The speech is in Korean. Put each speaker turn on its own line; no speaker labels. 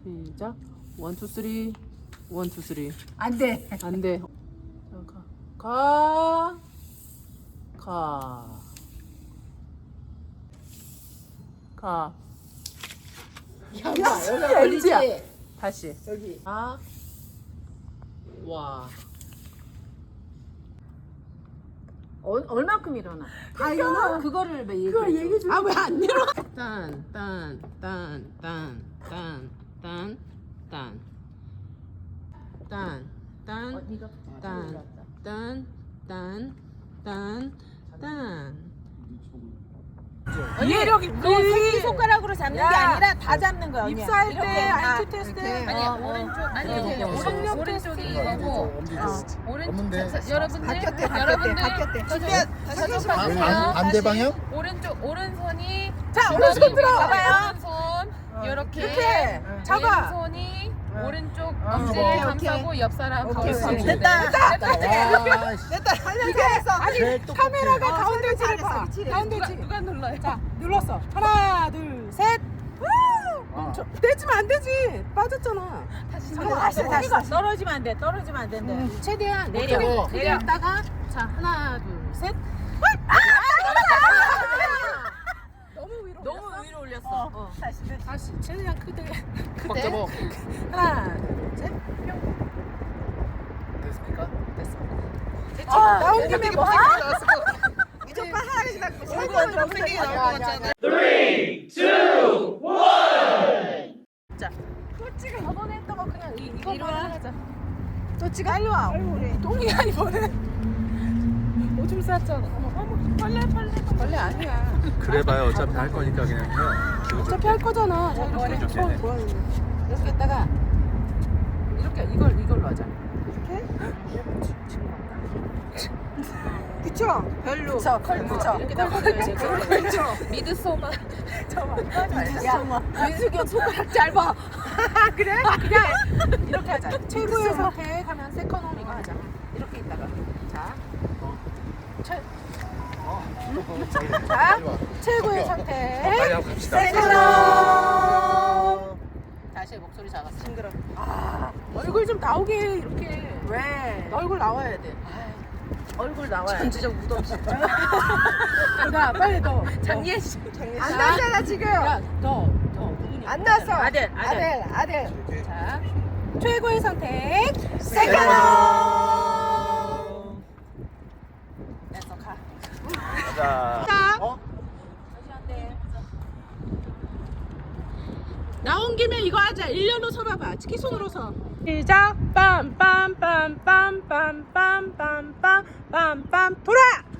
시작. 1, 2, 3. 1, 2, 3.
안 돼.
안 돼. 자, 가. 가.
여기
LG야.
걸리지.
다시.
여기.
아. 와.
얼마큼 일어나? 다 일어나? 그거를 왜 얘기해?
그걸 얘기해 줘.
아, 왜 안 일어나?
딴.
네가
이해력이
너 새끼 손가락으로 잡는 게 아니라 다 잡는 거야. 언니야.
입사할
이렇게.
때
아,
IQ 테스트.
아니 오른쪽 아니 오른쪽이 이거고 오른쪽 여러분들
반대 방향?
오른손이
자, 오른손 들어.
봐봐요. 오른손 이렇게
이렇게. 잡아.
왼손이 오른쪽
오케이,
엄지를
오케이.
감싸고 옆 사람
오케이,
가운데
오케이. 됐다.
됐다. 이게 아니 카메라가 가운데지를 봐.
미치래.
가운데지.
누가 눌러요?
자, 눌렀어. 하나, 둘, 셋. 멈춰. 떼지면 안 되지. 빠졌잖아.
다시
다시. 떨어지면 안 돼. 떨어지면 안 된대.
최대한
내려.
크게
내려.
했다가 자, 하나, 둘, 셋.
너무 위로 올렸어.
다시 최대한 크게.
꽉 잡아.
하나, 둘, 셋.
됐습니까?
됐어. 나온 김에 뭐
이쪽 봐 하나씩 닦고.
얼굴 너무 세게 나올 것 같잖아. 또치가 저번에 했던 거 그냥 이거 하자. 또치가 빨리 와. 똥이 아니 뭐는 오줌 쌌잖아. 어머 빨래 아니야.
그래봐요. 어차피 할 거니까 그냥 해요.
어차피 할 거잖아. 자, 이렇게 손 보여주네. 이렇게 했다가 이렇게 이걸로 하자. 이렇게? 그쵸? 별로. 그쵸. 이렇게 다 그쵸.
미드소마
야, 민수경 손가락 짧아. 그래? 그냥 이렇게 하자. 최고의 선택 하면 세컨홈 이거 하자. 이렇게 있다가. 자. 자, 최고의 선택.
빨리 하고 갑시다.
세컨홈. 다시 목소리 작았어. 싱그러. 얼굴 좀 나오게 이렇게. 왜? 얼굴 나와야 돼. 얼굴 나와야 돼. 전지적 무덤 진짜. 나 빨리 너. 장예 씨. 안 났잖아 지금. 야, 너 누구니? 안 났어. 아들. 자, 최고의 선택. 세컨홈. 됐어 가.
가자. 어?
나온 김에 이거 하자. 일렬로 서봐봐. 치키손으로 서. 시작. 빰빰빰빰빰빰빰빰빰빰 돌아.